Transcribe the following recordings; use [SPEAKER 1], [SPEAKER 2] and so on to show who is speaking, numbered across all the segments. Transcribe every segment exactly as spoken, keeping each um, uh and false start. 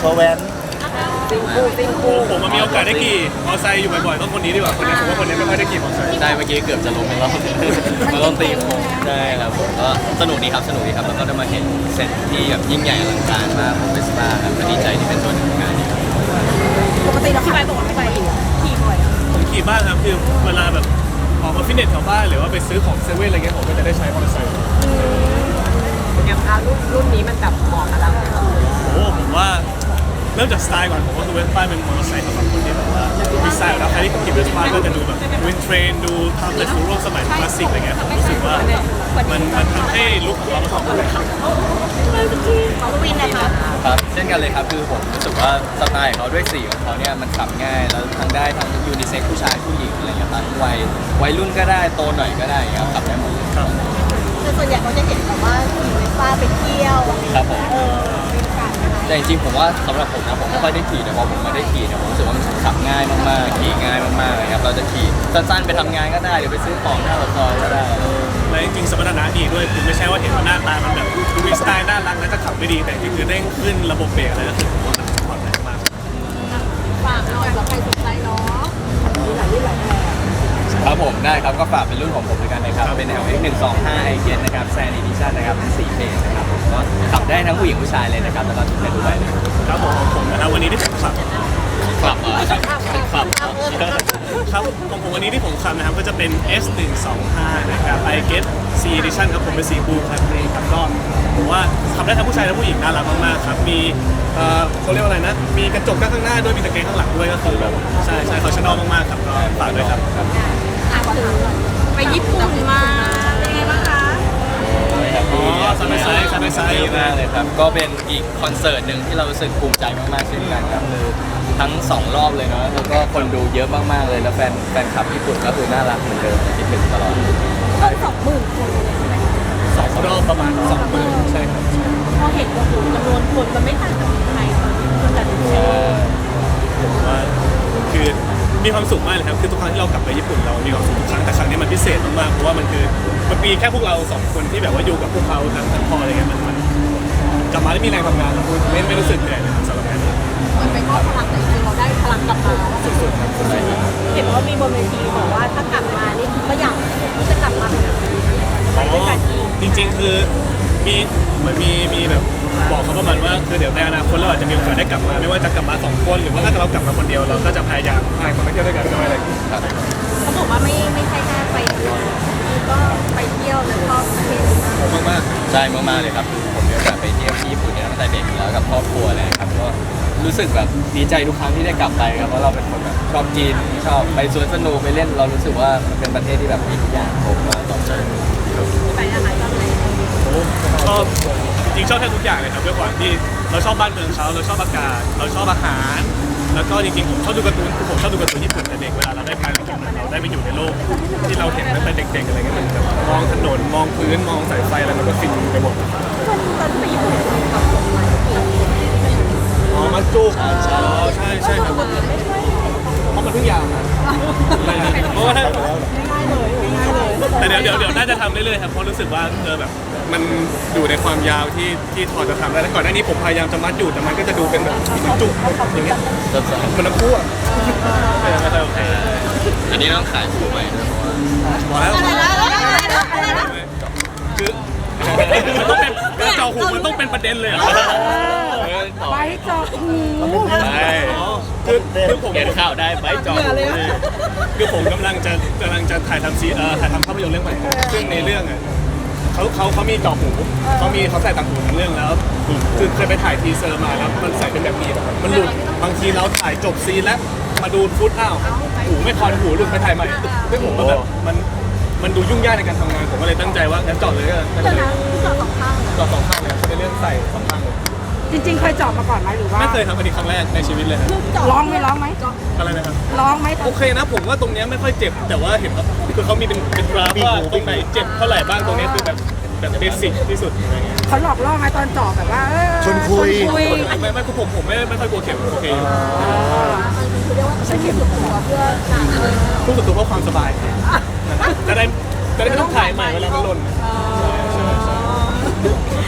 [SPEAKER 1] อแว้น
[SPEAKER 2] ซิงคูซิงคู
[SPEAKER 3] ผมมันมีโอกาสได้ขี่มอเตอร์ไซค์อยู่บ่อยๆต้องคนนี้ดีกว่าคนนี้ผมว่าคนนี้ไม่ค่อยได้ขี่มอเตอร์ไซค์
[SPEAKER 4] ได้เมื่อกี้เกือบจะล้มไปแล้วมาลงตีโค้งใช่ครับผมก็สนุกดีครับสนุกดีครับแล้วก็ได้มาเห็นเซตที่แบบยิ่งใหญ่อลังการมากของเวสป้าครับก็ดีใจที่เป็นส่วนหนึ่งของงานนี้ครับ
[SPEAKER 2] ปกติเราขี่ไปบอกว่าไม่ไปขี่บ่อยอ่ะ
[SPEAKER 3] ผมขี่บ้างครับคือเวลาแบบออกมาฟิตเนสแถวบ้านหรือว่าไปซื้อของเซเว่นอะไรเงี้ยผมก็จะได้ใช้มอเตอร์ไซค์
[SPEAKER 2] อย่างพารุ่นรุ่นนี้มันแบบเหมาะกับเรา
[SPEAKER 3] โอ้ผมว่าเริ่มจากสไตล์ก่อนผมว่าคือเวสป้าเป็นมอเตอร์ไซค์สำหรับคนที่แบบว่ามีสไตล์แล้วใครที่ขี่เวสป้าก็จะดูแบบวินเทรนดูทำในสู่ร่วมสมัยคลาสสิกอะไรเงี้ยผมรู้สึกว่ามันมันทำให้ลุคของเราสองคนเลย
[SPEAKER 2] ของวินนะคะ
[SPEAKER 4] ครับเช่นกันเลยครับคือผมรู้สึกว่าสไตล์ของเขาด้วยสีของเขาเนี่ยมันขับง่ายแล้วทั้งได้ทั้งยูนิเซ็กผู้ชายผู้หญิงอะไรอย่างเงี้ยครับวัยวัยรุ่นก็ได้โตหน่อยก็ได้ครับขับได้หมดเลยครับ
[SPEAKER 2] คือส่วนใหญ่เขาจะเห็นแบบว่าขี่เวสป้าไปเที่ยวอะไรอย่าง
[SPEAKER 4] ครับ
[SPEAKER 2] เงี้ย
[SPEAKER 4] ผม
[SPEAKER 2] เออเป็นการนะคะ
[SPEAKER 4] แต่จริงๆผมว่าสำหรับผมนะผมไม่ค่อยได้ขี่แต่พอผมมาได้ขี่เนี่ยผมรู้สึกว่ามันขับง่ายมากๆขี่ง่ายมากๆเลยครับเราจะขี่สั้นๆไปทำงานก็ได้หรือไปซื้อของหน้าปากซอยก็ได้
[SPEAKER 3] และจริงๆสมรรถนะดีด้วยคือไม่ใช่ว่าเห็นว่าหน้าตามันแบบดูมีสไตล์น่ารักแล้วจะขับไม่ดีแต่จริงๆคือเด้งขึ้นระบบเบรกอะไรก็คือผมว่ามันปลอดภัยมาก
[SPEAKER 2] ฝากหน่อยสำหรับใครสนใจเนาะมีหลายรุ่นหลายแบบ
[SPEAKER 4] ครับผมได้ครับก็ฝากเป็นรุ่นของผมด้วยกันนะครับเป็น แอล เอ็กซ์ หนึ่งสองห้า ไอ เจน นะครับแซนอีดิชั่นนะครับเป็นสี่เพลงนะครับผมก็ขับได้ทั้งผู้หญิงผู้ชายเลยนะครับแล้วก็ทุกเพศทุกวัยเลย
[SPEAKER 3] ครับผมของผมนะครับวันนี้ที่ผมขับ
[SPEAKER 4] ขับอ่ะขับขับ
[SPEAKER 3] ครับของผมวันนี้ที่ผมขับนะครับก็จะเป็น เอส หนึ่งสองห้า นะครับ I Get C Edition ครับผมเป็นสีบลูครับนี่ครับก็ผมว่าขับได้ทั้งผู้ชายและผู้หญิงน่ารักมากๆครับมีเอ่อเขาเรียกว่าอะไรนะมีกระจกข้างหน้าด้วยมีตะแกรงข้างหลังด้วยก็คือแบบใช่ใช่เขาชอบมากๆครับก็ฝากด้วยครับ
[SPEAKER 2] อ่ะขอถามหน่อยไปญี่ปุ่นมาเป็นไงบ้างคะ
[SPEAKER 3] อ๋อซันไดไซด์ซันไดไซด์
[SPEAKER 4] ดีมากเลยครับก็เป็นอีกคอนเสิร์ตหนึ่งที่เรารู้สึกภูมิใจมากๆเช่นกันครับคือทั้งสองรอบเลยเนาะแล้วก็คนดูเยอะมากๆเลยแล้วแฟนแฟนคลับญี่ปุ่นก็คือน่ารักเหมือนเดิมคิดถึงตลอด
[SPEAKER 2] ต้องสองหมื่นคนเลยใช่ไหม
[SPEAKER 3] สองรอบประมาณสองหมื่นใช่ครับ
[SPEAKER 2] พอเห็นโอ้โหจำนวนคนมันไม่ต่างจากไทยคนแต่ดู
[SPEAKER 3] ผมว่าคือมีความสุขมากเลยครับคือทุกครั้งที่เรากลับไปญี่ปุ่นเรามีความสุขทุกครั้งแต่ครั้งนี้มันพิเศษมากๆเพราะว่ามันคือมันมีแค่พวกเราสองคนที่แบบว่าอยู่กับพวกเขาทั้งทั้งพออะไรเงี้ยมันมันกลับมาแล้วมีแรงทำงานเราไม่ไม่รู้สึกเหนื่อยเลยครับสำหรับงานนี้
[SPEAKER 2] เหมือนไปมอบพลังแต่จริงๆเราได้พลังกลับมา
[SPEAKER 3] สุดๆครับสุดๆครับ
[SPEAKER 2] เห็นว่ามีบนเวทีบอกว่าถ้ากลับมานี่ก็อยากที่จะกลับมาเป็นแบบนี้ไปด้วยกันอีก
[SPEAKER 3] จริงๆคือมีเหมือนมีมีแบบบอกเขาประมาณว่าคือเดี๋ยวในอนาคตเราอาจจะมีโอกาสได้กลับมาไม่ว่าจะกลับมาสองคนหรือว่าถ้าเรากลับมาคนเดียวเราก็จะพยายามพาคนไปเที่ยวด้วยกันด้วยอะไรอย่างเงี้ย
[SPEAKER 4] ครับ
[SPEAKER 2] เขาบอกว่าไม่ไม่ใช่แค่ไปเที่ยวก็ไปเที่ยวแล้วก็ประเทศอื่น
[SPEAKER 3] ผมมาก
[SPEAKER 4] ใช่มากๆเลยครับคือผมมีโอกาสไปเที่ยวที่ญี่ปุ่นเนี่ยตั้งแต่เด็กอยู่แล้วกับครอบครัวเลยครับก็รู้สึกแบบดีใจทุกครั้งที่ได้กลับไปครับเพราะเราเป็นคนแบบชอบกินชอบไปสวนสนุกไปเล่นเรารู้สึกว่ามันเป็นประเทศที่แบบมีทุกอย่างครบมาตอบโจทย์
[SPEAKER 2] ไปอาหารตอนไหน
[SPEAKER 3] ๆโอ้ชอบจริงๆชอบแทบทุกอย่างเลยครับด้วยความที่เราชอบบ้านเมืองเขาเราชอบอากาศเราชอบอาหาร แล้วก็จริงๆผมชอบดูการ์ตูนคือผมชอบดูการ์ตูนญี่ปุ่นแต่เด็กเวลาเราได้ไปเราได้ไปอยู่ในโลกที่เราเห็นตั้งแต่เด็กๆอะไรเงี้ยมันแบบมองถนนมองพื้นมองสายไฟอะไรมันก็ฟินไปหมด
[SPEAKER 2] ตอนตอนที่ไปญี่ปุ่นขับรถมาปี
[SPEAKER 3] อ๋อมาจุกอ๋อใช่ใช่ครับเพราะมันเพิ่งยาวนะเพราะว่าถ้า
[SPEAKER 2] ง่ายเลยง่ายเลย
[SPEAKER 3] แต่เดี๋ยวเดี๋ยวเดี๋ยวน่าจะทำเรื่อยๆครับเพราะรู้สึกว่าเออแบบมันอยู่ในความยาวที่ที่พอจะทำได้แล้วก่อนหน้านี้ผมพยายามจะมัดอยู่แต่มันก็จะดูเป็นแบบจุกอย่างเงี้ย
[SPEAKER 4] สดใส
[SPEAKER 3] มันน้ำพุอ่ะไม่ไม่ค่อยโอเค
[SPEAKER 4] อันนี้ต้องขายคู่ใหม่ด้วยเพราะว่า
[SPEAKER 3] พอแล้ว
[SPEAKER 2] อะไรนะอะไรนะอะไรนะ
[SPEAKER 3] คือมันต้องเป็นการเจาะหูมันต้องเป็นประเด็นเลยเหรอ
[SPEAKER 2] ไปจอหู
[SPEAKER 4] ใช่
[SPEAKER 3] คือคือผม
[SPEAKER 4] เขียนข่าวได้ใบจอ
[SPEAKER 3] คือผมกำลังจะกำลังจะถ่ายทำซีเอ่อถ่ายทำภาพยนตร์เรื่องใหม่ซึ่งในเรื่องอ่ะเขาเขาเขามีเจาะหูเขามีเขาใส่ต่างหูทั้งเรื่องแล้วคือเคยไปถ่ายทีเซอร์มาแล้วมันใส่เป็นแบบนี้มันหลุดบางทีเราถ่ายจบซีนแล้วมาดูฟุตอ้าวหูไม่คอนหูหลุดไปถ่ายใหม่ซึ่งผมก็แบบมันมันดูยุ่งยากในการทำงานผมก็เลยตั้งใจว่างั้นเจาะเลยก็ได้
[SPEAKER 2] เดี๋ยว
[SPEAKER 3] เลย
[SPEAKER 2] นะจอสองข้าง
[SPEAKER 3] เจาะสองข้างเลยในเรื่องใส่สองข้างเลย
[SPEAKER 5] จริงๆ เคยเจาะมาก่อนไหมหรือว่า
[SPEAKER 3] ไม่เคยทำอันนี้ครั้งแรกในชีวิตเลยครับ
[SPEAKER 5] ร้องไหมร้องไหม
[SPEAKER 3] อะไรนะครับ
[SPEAKER 5] ร้องไหม
[SPEAKER 3] โอเคนะผมว่าตรงเนี้ยไม่ค่อยเจ็บแต่ว่าเห็นว่าคือเขามีเป็นเป็นกราฟว่าตรงไหนเจ็บเท่าไหร่บ้างตรงเนี้ยคือแบบแบบเบสิกที่สุดอะไรเงี้ย
[SPEAKER 5] เขาหลอกล่อไหมตอนเจาะแบบว่าเออ
[SPEAKER 1] ชวนคุย
[SPEAKER 5] คุย
[SPEAKER 3] ไม่ไม่คือผมผมไม่ไม่ค่อยกลัวเข็มโอเคอยู่
[SPEAKER 2] คือเรียกว่าใช้เข็มสุดตัวเพื่องานเลย
[SPEAKER 3] พูดสุดตัวเพราะความสบายจะได้จะได้ไม่ต้องถ่ายใหม่เวลามันหล่น
[SPEAKER 2] น้อง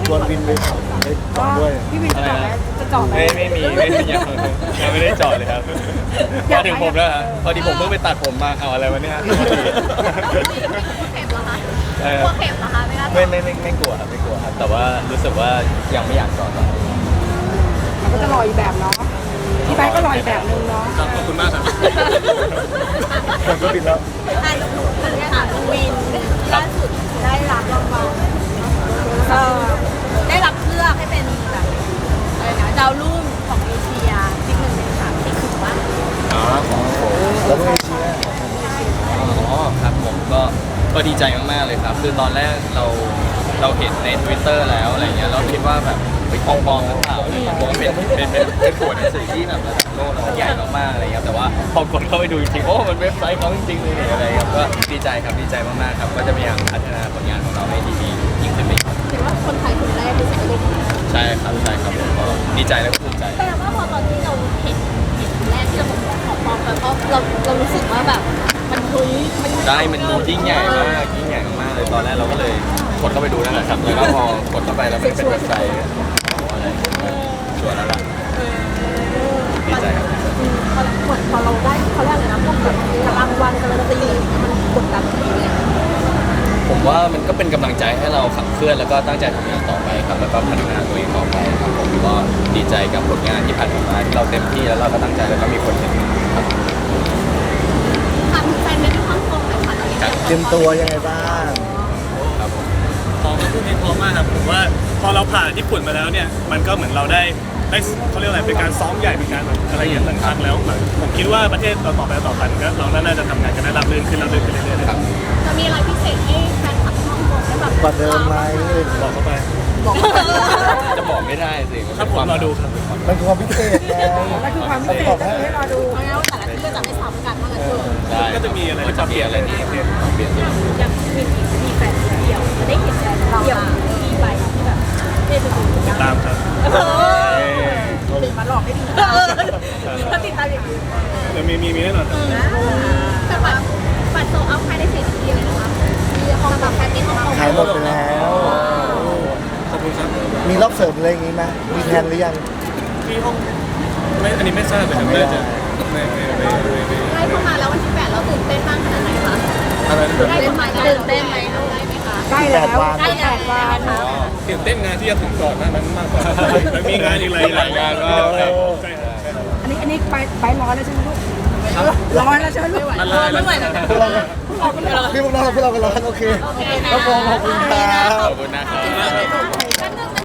[SPEAKER 1] ชวนวินไปไปจอดด้วย
[SPEAKER 5] พี่วินจะจอดไหมจะจอดไหม
[SPEAKER 4] ไม่ไม่มีไม่ยังยังไม่ได้จอดเลยครับมาถึงผมแล้วฮะพอดีผมเพิ่งไปตัดผมมาเอาอะไรวะเนี่ย
[SPEAKER 2] เข็มเหรอคะ
[SPEAKER 4] เออก
[SPEAKER 2] ลัวเข็มเหรอคะไม่น่า
[SPEAKER 4] ไม่ไม่ไม่ไม่กลัวครับไม่กลัวครับแต่ว่ารู้สึกว่ายังไม่อยากจอดตอนนี้
[SPEAKER 5] มันก็จะลอยอีกแบบเนาะพี่ไบค์ก็ลอยอีกแบบนึงเนาะ
[SPEAKER 3] ครับขอบคุณมากครับ
[SPEAKER 1] ผมก็บินแล้ว
[SPEAKER 2] อ่ะลูกหนูคนนี้ค่ะลูกวินล่าสุดได้รับรางวัลเออได้รับเลือกให้เป็นแบบอะไรนะดาวรุ่งของเอเชียที่หนึ่งในสามที่ถือว่า
[SPEAKER 4] อ๋อของผม
[SPEAKER 1] แล้วก็เอเชีย
[SPEAKER 4] อ๋อครับผมก็ก็ดีใจมากๆเลยครับ คือตอนแรกเราเราเห็นใน Twitter แล้วอะไรเงี้ยเราคิดว่าแบบไปปลอมๆหรือเปล่าอะไรเงี้ยผมว่าเป็นเป็นเป็นเป็นขวดหนังสือที่แบบระดับโลกแล้วใหญ่มากๆอะไรเงี้ยแต่ว่าพอกดเข้าไปดูจริงๆโอ้มันเว็บไซต์เขาจริงๆเลยเนี่ยอะไรเงี้ยก็ดีใจครับดีใจมากๆครับก็จะพยายามพัฒนาผลงานของเราให้ดีๆยิ่งขึ้นไปอีก
[SPEAKER 2] ถือว่าคนไทยคนแรกที่ใส่ลูก
[SPEAKER 4] ใช่ครับใช่ครับผมก็ดีใจและภูมิใจ
[SPEAKER 2] แปลว่าพอตอนที่เราเห็นเห็นคนแรกที่เราบอกว่าขอปลอมไปเพราะเราเรารู้สึกว่าแบบมันเฮ้ยมัน
[SPEAKER 4] ได้มันดูยิ่งใหญ่มากยิ่งใหญ่มากๆเลยตอนแรกเราก็เลยกดเข้าไปดูนั่นแหละครับแล้วก็พอกดเข้าไปแล้วมันเป็นเว็บไซต์อะไรชวนแล้วล่ะดีใจครับ
[SPEAKER 2] พอเหมือนพอเราได้เขาเรียกอะไรนะพวกแบบรางวัลการันตีอะไรอย่างเงี้ยมันกดดันตัวเอง
[SPEAKER 4] ผมว่ามันก็เป็นกำลังใจให้เราขับเคลื่อนแล้วก็ตั้งใจทำงานต่อไปครับแล้วก็พัฒนาตัวเองต่อไปครับผมก็ดีใจกับผลงานที่ผ่านมาที่เราเต็มที่แล้วเราก็ตั้งใจแล้วก็มีคนเห็นครับ
[SPEAKER 2] ถามถึงแฟนในฮ่องกงหน่อยค่ะตอนนี้
[SPEAKER 1] เตรียมตัวยังไงบ้าง
[SPEAKER 4] ครับผม
[SPEAKER 3] พร้อมพูดนี้พร้อมมากครับผมว่าพอเราผ่านญี่ปุ่นมาแล้วเนี่ยมันก็เหมือนเราได้ได้เขาเรียกอะไรเป็นการซ้อมใหญ่เป็นการแบบอะไรอย่างหนึ่งครั้งแล้วเหมือนผมคิดว่าประเทศต่อต่อไปต่อไปก็เราน่าจะทำงานกันได้ราบรื่นขึ้นราบรื่นขึ้นเรื่อยๆครับ
[SPEAKER 2] จะมีอะไรพิเศษให้แฟนคลับฮ่องกงได้แบบ
[SPEAKER 1] กว่าเดิมไหม
[SPEAKER 3] บอกเข้าไป
[SPEAKER 4] จะบอกไม่ได้สิ
[SPEAKER 3] ครับผมรอดูครับ
[SPEAKER 1] มันคือความพิเศษไง
[SPEAKER 5] นั่นคือความพิเศษก็คือให้รอดู
[SPEAKER 2] เพราะงั้นว่าแต่ละที่ก็จะไม่ซ้ำกันว่างั้นเถอะ
[SPEAKER 4] ได้
[SPEAKER 3] ก็จะมีอะไร
[SPEAKER 4] ก็จะเปลี่ยนอะไรนี่เปลี่ยนเปลี่ยน
[SPEAKER 2] ยังมีมีแฟนเดียวจะได้เห็นแฟนเดียวที่ไปที่แบบได้ไปดูกัน
[SPEAKER 3] ตามครับ
[SPEAKER 2] เออตื่นมาหลอกให้ดีถ้าติดตามอย่างนี้
[SPEAKER 3] เดี๋ยวมีมีมีแน่นอนครับ
[SPEAKER 2] แต่บัตรบัตรโซเอาภายในสี่นาทีเลยนะคะมีห้องแบบแพ็กเกจห้อง
[SPEAKER 1] ขายหมดไปแล้ว
[SPEAKER 3] ขอบคุณครับ
[SPEAKER 1] มีรอบเสริมอะไรอย่างงี้ไหมมีแทนหรือยัง
[SPEAKER 3] ที่ห้องไม่อันนี้ไม่ทราบเลยครับน่าจะไม่ไม่ไม่ไม่ไม่
[SPEAKER 2] ได้เข้ามาแล้ววันที่แปดเราตื่นเต้นมากขนาดไหนคะ
[SPEAKER 3] อะไรนะ
[SPEAKER 2] ได้เข้ามาตื่นเต้นไหมได้ไหมคะ
[SPEAKER 5] ใกล้แล้ว
[SPEAKER 2] ใกล้
[SPEAKER 5] แปดวัน
[SPEAKER 2] แล้ว
[SPEAKER 3] ตื่นเต้นงานที่จะถึงก่อนหน้านั้นมากกว่าแล้วมีงานอีกหลายหลายงานก็ใช่ครับ
[SPEAKER 5] อันนี้อันนี้ไปไปร้อนแล้วใช่ไหมลูกร้อนแล้วใช่ไหมลูก
[SPEAKER 2] ไม่ไหวแล้ว
[SPEAKER 1] พวกเราพี่พวกเราพวกเรากันร้อนโอเค
[SPEAKER 2] โอเค
[SPEAKER 1] ครับผมขอบคุณครับ
[SPEAKER 4] ขอบคุณนะครับ